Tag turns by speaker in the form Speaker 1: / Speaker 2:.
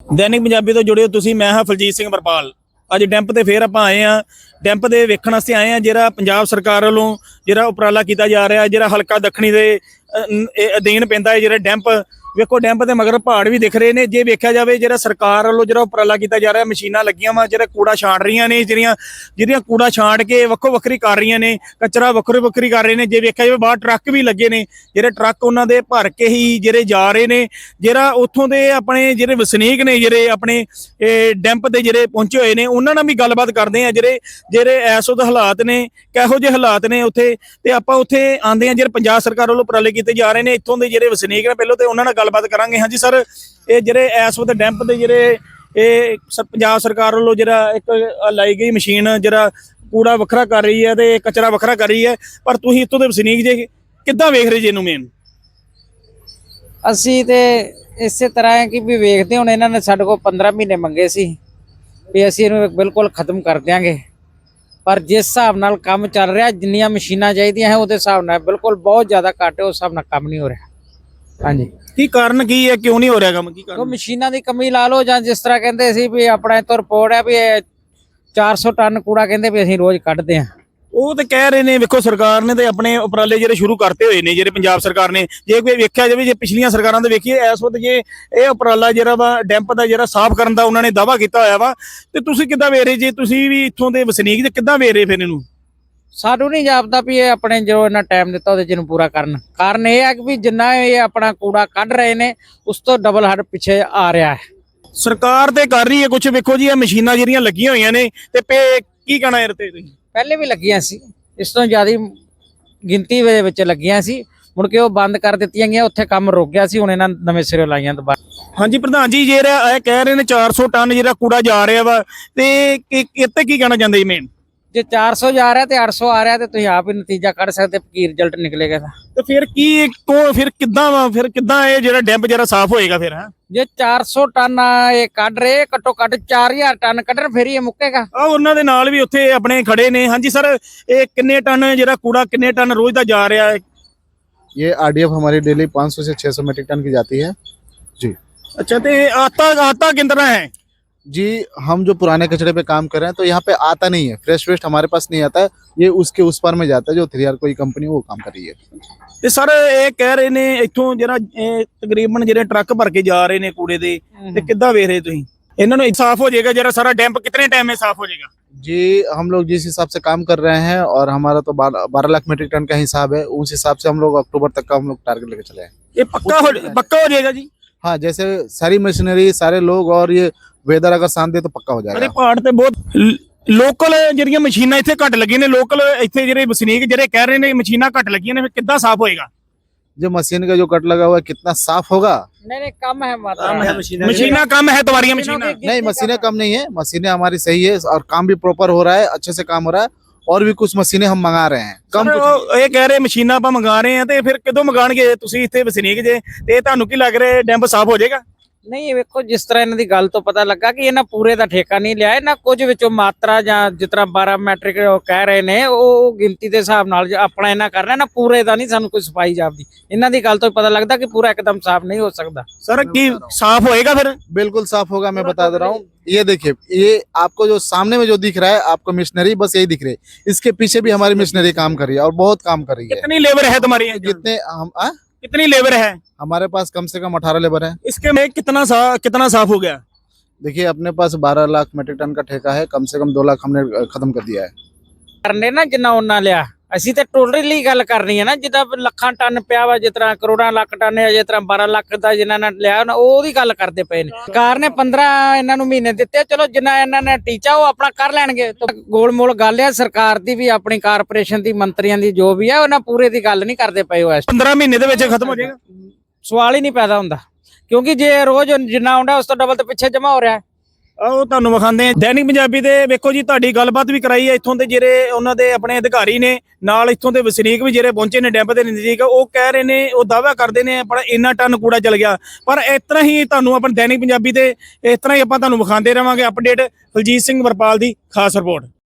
Speaker 1: दैनिक पंजाबी तो जुड़े हो तुसीं। मैं हाँ फलजीत सिंह वरपाल। ਅੱਜ ਡੈਂਪ ਤੇ ਫੇਰ ਆਪਾਂ ਆਏ ਆ। ਡੈਂਪ ਦੇ ਵੇਖਣ ਵਾਸਤੇ ਆਏ ਆ ਜਿਹੜਾ ਪੰਜਾਬ ਸਰਕਾਰ ਵੱਲੋਂ ਜਿਹੜਾ ਉਪਰਾਲਾ ਕੀਤਾ ਜਾ ਰਿਹਾ, ਜਿਹੜਾ ਹਲਕਾ ਦੱਖਣੀ ਦੇ ਅਧੀਨ ਪੈਂਦਾ ਹੈ ਜਿਹੜਾ ਡੈਂਪ। ਵੇਖੋ ਡੈਂਪ ਦੇ ਮਗਰ ਪਹਾੜ ਵੀ ਦਿਖ ਰਹੇ ਨੇ। ਜੇ ਵੇਖਿਆ ਜਾਵੇ ਜਿਹੜਾ ਸਰਕਾਰ ਵੱਲੋਂ ਜਿਹੜਾ ਉਪਰਾਲਾ ਕੀਤਾ ਜਾ ਰਿਹਾ, ਮਸ਼ੀਨਾਂ ਲੱਗੀਆਂ ਵਾ ਜਿਹੜਾ ਕੂੜਾ ਛਾਂਟ ਰਹੀਆਂ ਨੇ, ਜਿਹੜੀਆਂ ਕੂੜਾ ਛਾਂਟ ਕੇ ਵੱਖੋ ਵੱਖਰੀ ਕਰ ਰਹੀਆਂ ਨੇ, ਕਚਰਾ ਵੱਖਰੀ ਕਰ ਰਹੇ ਨੇ। ਜੇ ਵੇਖਿਆ ਜਾਵੇ ਬਾਹਰ ਟਰੱਕ ਵੀ ਲੱਗੇ ਨੇ, ਜਿਹੜੇ ਟਰੱਕ ਉਹਨਾਂ ਦੇ ਭਰ ਕੇ ਹੀ ਜਿਹੜੇ ਜਾ ਰਹੇ ਨੇ। ਜਿਹੜਾ ਉੱਥੋਂ ਦੇ ਆਪਣੇ ਜਿਹੜੇ ਵਸਨੀਕ ਨੇ, ਜਿਹੜੇ ਆਪਣੇ ਡੈਂਪ ਤੇ ਜਿਹੜੇ ਪਹੁੰਚੇ ਹੋਏ ਨੇ, ਉਹਨਾਂ ਨਾਲ ਵੀ ਗੱਲਬਾਤ ਕਰਦੇ ਆ। ਜਿਹੜੇ ਇਸ ਵਕਤ ਹਾਲਾਤ ਨੇ, ਕਿਹੋ ਜਿਹੇ ਹਾਲਾਤ ਨੇ ਉੱਥੇ, ਤੇ ਆਪਾਂ ਉੱਥੇ ਆਂਦੇ ਆ ਜਿਹੜੇ ਪੰਜਾਬ ਸਰਕਾਰ ਵੱਲੋਂ ਉਪਰਾਲੇ ਕੀਤੇ ਜਾ ਰਹੇ ਨੇ। ਇੱਥੋਂ ਦੇ ਜਿਹੜੇ ਵਸਨੀਕ ਨੇ ਪਹਿਲਾਂ ਤੇ ਉਹਨਾਂ ਨਾਲ ਗੱਲਬਾਤ ਕਰਾਂਗੇ। ਹਾਂਜੀ ਸਰ, ਇਹ ਜਿਹੜੇ ਇਸ ਵਕਤ ਡੈਂਪ ਦੇ ਜਿਹੜੇ ਪੰਜਾਬ ਸਰਕਾਰ ਵੱਲੋਂ ਜਿਹੜਾ ਇੱਕ ਲਾਈ ਗਈ ਮਸ਼ੀਨ ਜਿਹੜਾ ਕੂੜਾ ਵੱਖਰਾ ਕਰ ਰਹੀ ਹੈ ਤੇ ਕਚਰਾ ਵੱਖਰਾ ਕਰ ਰਹੀ ਹੈ, ਪਰ ਤੁਸੀਂ ਇੱਥੋਂ ਦੇ ਵਸਨੀਕ ਜੇ ਕਿੱਦਾਂ ਵੇਖ ਰਹੇ ਜੀ ਇਹਨੂੰ? ਮੇਨ
Speaker 2: ਅਸੀਂ ਤੇ ਇਸੇ ਤਰ੍ਹਾਂ ਹੈ ਕਿ ਵੀ ਵੇਖਦੇ ਹੁਣ ਇਹਨਾਂ ਨੇ ਸਾਡੇ ਕੋਲ 15 ਮਹੀਨੇ ਮੰਗੇ ਸੀ ਵੀ ਅਸੀਂ ਇਹਨੂੰ ਬਿਲਕੁਲ ਖਤਮ ਕਰ ਦਿਆਂਗੇ, ਪਰ ਜਿਸ ਹਿਸਾਬ ਨਾਲ ਕੰਮ ਚੱਲ ਰਿਹਾ, ਜਿੰਨੀਆਂ ਮਸ਼ੀਨਾਂ ਚਾਹੀਦੀਆਂ ਹੈ ਉਹਦੇ ਹਿਸਾਬ ਨਾਲ ਬਿਲਕੁਲ ਬਹੁਤ ਜ਼ਿਆਦਾ ਘੱਟ ਹੈ, ਉਸ ਹਿਸਾਬ ਨਾਲ ਕੰਮ ਨਹੀਂ ਹੋ ਰਿਹਾ। ਹਾਂਜੀ,
Speaker 1: ਕੀ ਕਾਰਨ ਕੀ ਹੈ, ਕਿਉਂ ਨਹੀਂ ਹੋ ਰਿਹਾ ਕੰਮ? ਕੀ ਕਾਰਨ?
Speaker 2: ਉਹ ਮਸ਼ੀਨਾਂ ਦੀ ਕਮੀ ਲਾ ਲਓ, ਜਾਂ ਜਿਸ ਤਰ੍ਹਾਂ ਕਹਿੰਦੇ ਸੀ ਵੀ ਆਪਣਾ ਤੋਂ ਰਿਪੋਰਟ ਹੈ ਵੀ 400 ਟਨ ਕੂੜਾ ਕਹਿੰਦੇ ਵੀ ਅਸੀਂ ਰੋਜ਼ ਕੱਢਦੇ ਹਾਂ।
Speaker 1: ਉਹ ਤੇ ਕਹਿ ਰਹੇ ਨੇ, ਵੇਖੋ ਸਰਕਾਰ ਨੇ ਤੇ ਆਪਣੇ ਉਪਰਾਲੇ ਜਿਹੜੇ ਸ਼ੁਰੂ ਕਰਤੇ ਹੋਏ ਨੇ, ਜਿਹੜੇ ਪੰਜਾਬ ਸਰਕਾਰ ਨੇ। ਜੇ ਕੋਈ ਵੇਖਿਆ ਜਾਵੇ, ਜੇ ਪਿਛਲੀਆਂ ਸਰਕਾਰਾਂ ਦੇ ਵੇਖੀਏ, ਇਸ ਵਕਤ ਜੇ ਇਹ ਉਪਰਾਲਾ ਜਿਹੜਾ ਵਾ ਡੈਂਪ ਦਾ ਜਿਹੜਾ ਸਾਫ਼ ਕਰਨ ਦਾ ਉਹਨਾਂ ਨੇ ਦਾਅਵਾ ਕੀਤਾ ਹੋਇਆ ਵਾ, ਤੇ ਤੁਸੀਂ ਕਿੱਦਾਂ ਵੇਖ ਰਹੇ ਜੇ? ਤੁਸੀਂ ਵੀ ਇੱਥੋਂ ਦੇ ਵਸਨੀਕ ਜੇ ਕਿੱਦਾਂ ਵੇਖ ਰਹੇ ਫਿਰ ਇਹਨੂੰ?
Speaker 2: ਸਾਨੂੰ ਨਹੀਂ ਜਾਪਦਾ ਵੀ ਇਹ ਆਪਣੇ ਜੋ ਇਹਨਾਂ ਟਾਈਮ ਦਿੱਤਾ ਉਹਦੇ ਚ ਨੂੰ ਪੂਰਾ ਕਰਨ। ਕਾਰਨ ਇਹ ਹੈ ਕਿ ਵੀ ਜਿੰਨਾ ਇਹ ਆਪਣਾ ਕੂੜਾ ਕੱਢ ਰਹੇ ਨੇ ਉਸ ਤੋਂ ਡਬਲ ਹੱਡ ਪਿੱਛੇ ਆ ਰਿਹਾ ਹੈ।
Speaker 1: ਸਰਕਾਰ ਤੇ ਕਰ ਰਹੀ ਹੈ ਕੁਝ। ਵੇਖੋ ਜੀ ਇਹ ਮਸ਼ੀਨਾਂ ਜਿਹੜੀਆਂ ਲੱਗੀਆਂ ਹੋਈਆਂ ਨੇ, ਤੇ ਕੀ ਕਹਿਣਾ ਯਾਰ ਤੇ ਤੁਸੀਂ? ਪਹਿਲੇ
Speaker 2: ਵੀ ਲੱਗੀਆਂ ਸੀ, ਇਸ ਤੋਂ ਜ਼ਿਆਦਾ ਗਿਣਤੀ ਦੇ ਵਿੱਚ ਲੱਗੀਆਂ ਸੀ, ਮੁੜ ਕੇ ਉਹ ਬੰਦ ਕਰ ਦਿੱਤੀਆਂ ਗਈਆਂ, ਉੱਥੇ ਕੰਮ ਰੁਕ ਗਿਆ ਸੀ, ਹੁਣ ਇਹਨਾਂ ਨਵੇਂ ਸਿਰੇ ਲਾਈਆਂ ਦੁਬਾਰਾ।
Speaker 1: ਹਾਂਜੀ ਪ੍ਰਧਾਨ ਜੀ, ਜਿਹੜਾ ਇਹ ਕਹਿ ਰਹੇ ਨੇ 400 ਟਨ ਜਿਹੜਾ ਕੂੜਾ ਜਾ ਰਿਹਾ ਵਾ, ਤੇ ਇੱਥੇ ਕੀ ਕਹਿਣਾ ਚਾਹੁੰਦੇ ਜੀ ਮੇਨ?
Speaker 2: ਜੇ 400 ਜਾ ਰਿਹਾ ਤੇ 800 ਆ ਰਿਹਾ, ਤੇ ਤੁਸੀਂ ਆਪ ਹੀ ਨਤੀਜਾ ਕੱਢ ਸਕਦੇ ਕੀ ਰਿਜ਼ਲਟ ਨਿਕਲੇਗਾ।
Speaker 1: ਤੇ ਫਿਰ ਫਿਰ ਕਿੱਦਾਂ ਵਾ, ਫਿਰ ਕਿੱਦਾਂ ਇਹ ਜਿਹੜਾ ਡੈਂਪ ਜਿਹੜਾ ਸਾਫ਼ ਹੋਏਗਾ ਫਿਰ?
Speaker 2: ਜੇ 400 ਟਨ ਇਹ ਕੱਢ ਰਹੇ, ਘੱਟੋ ਘੱਟ 4000 ਟਨ ਕੱਢਣ, ਫਿਰ ਇਹ ਮੁੱਕੇਗਾ।
Speaker 1: ਉਹਨਾਂ ਦੇ ਨਾਲ ਵੀ ਉੱਥੇ ਆਪਣੇ ਖੜੇ ਨੇ। ਹਾਂਜੀ ਸਰ, ਇਹ ਕਿੰਨੇ ਟਨ ਜਿਹੜਾ ਕੂੜਾ ਕਿੰਨੇ ਟਨ ਰੋਜ਼ ਦਾ ਜਾ ਰਿਹਾ ਹੈ?
Speaker 3: ये आरडीएफ हमारी डेली 500 से 600 मीट्रिक टन की जाती है जी।
Speaker 1: अच्छा, तो आता कितना है
Speaker 3: जी? हम जो पुराने कचरे पे काम कर रहे हैं, तो यहाँ पे आता नहीं है, फ्रेश वेस्ट हमारे पास नहीं आता है, ये उसके उस पार में जाता है, जो 3R कोई कंपनी वो काम कर रही है।
Speaker 1: ਤੇ ਸਰ ਇਹ ਕਹਿ ਰਹੇ ਨੇ ਇੱਥੋਂ ਜਿਹੜਾ ਤਕਰੀਬਨ ਜਿਹੜੇ ਟਰੱਕ ਭਰ ਕੇ ਜਾ ਰਹੇ ਨੇ ਕੂੜੇ ਦੇ, ਤੇ ਕਿੱਦਾਂ ਵੇਖ ਰਹੇ ਤੁਸੀਂ ਇਹਨਾਂ ਨੂੰ? ਸਾਫ਼ ਹੋ ਜਾਏਗਾ ਜਿਹੜਾ ਸਾਰਾ ਡੈਂਪ? ਕਿਤਨੇ टाइम में साफ हो जाएगा
Speaker 3: जी? हम लोग जिस हिसाब से काम कर रहे हैं, और हमारा तो 12 लाख मीट्रिक टन का हिसाब है, उस हिसाब से हम लोग अक्टूबर तक का हम लोग टारगेट लेके चले हैं।
Speaker 1: ये पक्का हो जाएगा जी?
Speaker 3: हाँ, जैसे सारी मशीनरी, सारे लोग और ये वेदर अगर साथ दे तो पक्का हो जाएगा।
Speaker 1: अरे पहाड़ पे बहुत ਲੋਕਲ ਜਿਹੜੀਆਂ ਮਸ਼ੀਨਾਂ ਇੱਥੇ ਘੱਟ ਲੱਗੀਆਂ ਨੇ, ਲੋਕਲ ਇੱਥੇ ਜਿਹੜੇ ਵਸਨੀਕ ਜਿਹੜੇ ਕਹਿ ਰਹੇ ਨੇ ਮਸ਼ੀਨਾਂ ਘੱਟ ਲੱਗੀਆਂ ਨੇ, ਫਿਰ ਕਿੱਦਾਂ ਸਾਫ਼ ਹੋਏਗਾ?
Speaker 3: जो मशीन का जो कट लगा हुआ है, कितना साफ होगा?
Speaker 2: नहीं कम है,
Speaker 1: मशीना कम है, तुम्हारी मशीना
Speaker 3: नहीं, मशीनें कम नहीं है, मशीनें हमारी सही है और काम भी प्रॉपर हो रहा है, अच्छे से काम हो रहा है। और भी कुछ मशीनें हम मंगा रहे हैं कम।
Speaker 1: ਇਹ ਕਹਿ ਰਹੇ ਮਸ਼ੀਨਾਂ ਆਪਾਂ ਮੰਗਾ ਰਹੇ ਆ, ਤੇ ਫਿਰ ਕਦੋਂ ਮੰਗਾਣਗੇ? ਤੁਸੀਂ ਇੱਥੇ ਵਸਨੀਕ ਜੇ, ਤੇ ਤੁਹਾਨੂੰ ਕੀ ਲੱਗ ਰਿਹਾ ਡੈਂਪ ਸਾਫ਼ ਹੋ ਜਾਏਗਾ?
Speaker 2: ਨਹੀਂ, ਵੇਖੋ ਜਿਸ ਤਰ੍ਹਾਂ ਇਹਨਾਂ ਦੀ ਗੱਲ ਤੋਂ ਪਤਾ ਲੱਗਾ ਕਿ ਇਹਨਾਂ ਪੂਰੇ ਦਾ ਠੇਕਾ ਨਹੀਂ ਲਿਆ, ਇਹਨਾਂ ਕੁਝ ਵਿੱਚੋਂ ਮਾਤਰਾ ਜਾਂ ਜਿਸ ਤਰ੍ਹਾਂ 12 ਮੈਟ੍ਰਿਕ ਕਹਿ ਰਹੇ ਨੇ, ਉਹ ਗਿਣਤੀ ਦੇ ਹਿਸਾਬ ਨਾਲ ਆਪਣਾ ਇਹਨਾਂ ਕਰਨਾ ਨਾ, ਪੂਰੇ ਦਾ ਨਹੀਂ ਸਾਨੂੰ ਕੋਈ ਸਫਾਈ ਜਾਪਦੀ। ਇਹਨਾਂ ਦੀ ਗੱਲ ਤੋਂ ਪਤਾ ਲੱਗਦਾ ਕਿ ਪੂਰਾ एकदम साफ नहीं हो सकता।
Speaker 1: सर की साफ होएगा फिर?
Speaker 3: बिल्कुल साफ होगा, मैं बता दे रहा हूँ। ये देखिए, ये आपको जो सामने में जो दिख रहा है आपको मशीनरी, बस यही दिख रही है, इसके पीछे भी हमारी मशीनरी काम कर रही है और बहुत काम कर रही है।
Speaker 1: कितनी लेबर है तुम्हारी? कितनी लेबर है
Speaker 3: हमारे पास? कम से कम 18 लेबर है।
Speaker 1: इसके में कितना साफ हो गया?
Speaker 3: देखिए, अपने पास 12 लाख मीट्रिक टन का ठेका है, कम से कम 2 लाख हमने खत्म कर दिया है।
Speaker 2: करने ना जिन्ना उन्ना लिया, ਅਸੀਂ ਤੇ ਟੋਟਲੀ ਗੱਲ ਕਰਨੀ ਹੈ ਨਾ, ਜਿੱਦਾਂ ਲੱਖਾਂ ਟਨ ਪਿਆ ਵਾ, ਜਿਸ ਤਰ੍ਹਾਂ ਕਰੋੜਾਂ ਲੱਖ ਟਨ ਹੈ, ਜਿਸ ਤਰ੍ਹਾਂ 12 ਲੱਖ ਦਾ ਜਿਨ੍ਹਾਂ ਨੇ ਲਿਆ ਉਹਦੀ ਗੱਲ ਕਰਦੇ ਪਏ ਨੇ। ਸਰਕਾਰ ਨੇ 15 ਇਹਨਾਂ ਨੂੰ ਮਹੀਨੇ ਦਿੱਤੇ, ਚਲੋ ਜਿੰਨਾ ਇਹਨਾਂ ਨੇ ਟੀਚਾ ਉਹ ਆਪਣਾ ਕਰ ਲੈਣਗੇ। ਗੋਲਮੋਲ ਗੱਲ ਹੈ ਸਰਕਾਰ ਦੀ ਵੀ, ਆਪਣੀ ਕਾਰਪੋਰੇਸ਼ਨ ਦੀ, ਮੰਤਰੀਆਂ ਦੀ, ਜੋ ਵੀ ਹੈ ਉਹਨਾਂ ਪੂਰੇ ਦੀ ਗੱਲ ਨਹੀਂ ਕਰਦੇ ਪਏ। ਉਹ
Speaker 1: 15 ਮਹੀਨੇ ਦੇ ਵਿੱਚ ਖਤਮ ਹੋ ਜਾਏਗਾ?
Speaker 2: ਸਵਾਲ ਹੀ ਨਹੀਂ ਪੈਦਾ ਹੁੰਦਾ, ਕਿਉਂਕਿ ਜੇ ਰੋਜ਼ ਜਿੰਨਾ ਆਉਂਦਾ ਉਸ ਤੋਂ ਡਬਲ ਤੇ ਪਿੱਛੇ ਜਮਾ ਹੋ ਰਿਹਾ।
Speaker 1: ਉਹ ਤੁਹਾਨੂੰ ਵਿਖਾਉਂਦੇ ਆ ਦੈਨਿਕ ਪੰਜਾਬੀ ਦੇ। ਵੇਖੋ ਜੀ, ਤੁਹਾਡੀ ਗੱਲਬਾਤ ਵੀ ਕਰਾਈ ਹੈ ਇੱਥੋਂ ਦੇ ਜਿਹੜੇ ਉਹਨਾਂ ਦੇ ਆਪਣੇ ਅਧਿਕਾਰੀ ਨੇ, ਨਾਲ ਇੱਥੋਂ ਦੇ ਵਸਨੀਕ ਵੀ ਜਿਹੜੇ ਪਹੁੰਚੇ ਨੇ ਡੈਂਪ ਦੇ ਨਜ਼ਦੀਕ। ਉਹ ਕਹਿ ਰਹੇ ਨੇ, ਉਹ ਦਾਅਵਾ ਕਰਦੇ ਨੇ ਪਰ ਇੰਨਾ ਟਨ ਕੂੜਾ ਚਲ ਗਿਆ। ਪਰ ਇਸ ਤਰ੍ਹਾਂ ਹੀ ਤੁਹਾਨੂੰ ਆਪਣੇ ਦੈਨਿਕ ਪੰਜਾਬੀ ਤੇ ਇਸ ਤਰ੍ਹਾਂ ਹੀ ਆਪਾਂ ਤੁਹਾਨੂੰ ਵਿਖਾਉਂਦੇ ਰਹਾਂਗੇ ਅਪਡੇਟ। ਫਲਜੀਤ ਸਿੰਘ ਵਰਪਾਲ ਦੀ ਖਾਸ ਰਿਪੋਰਟ।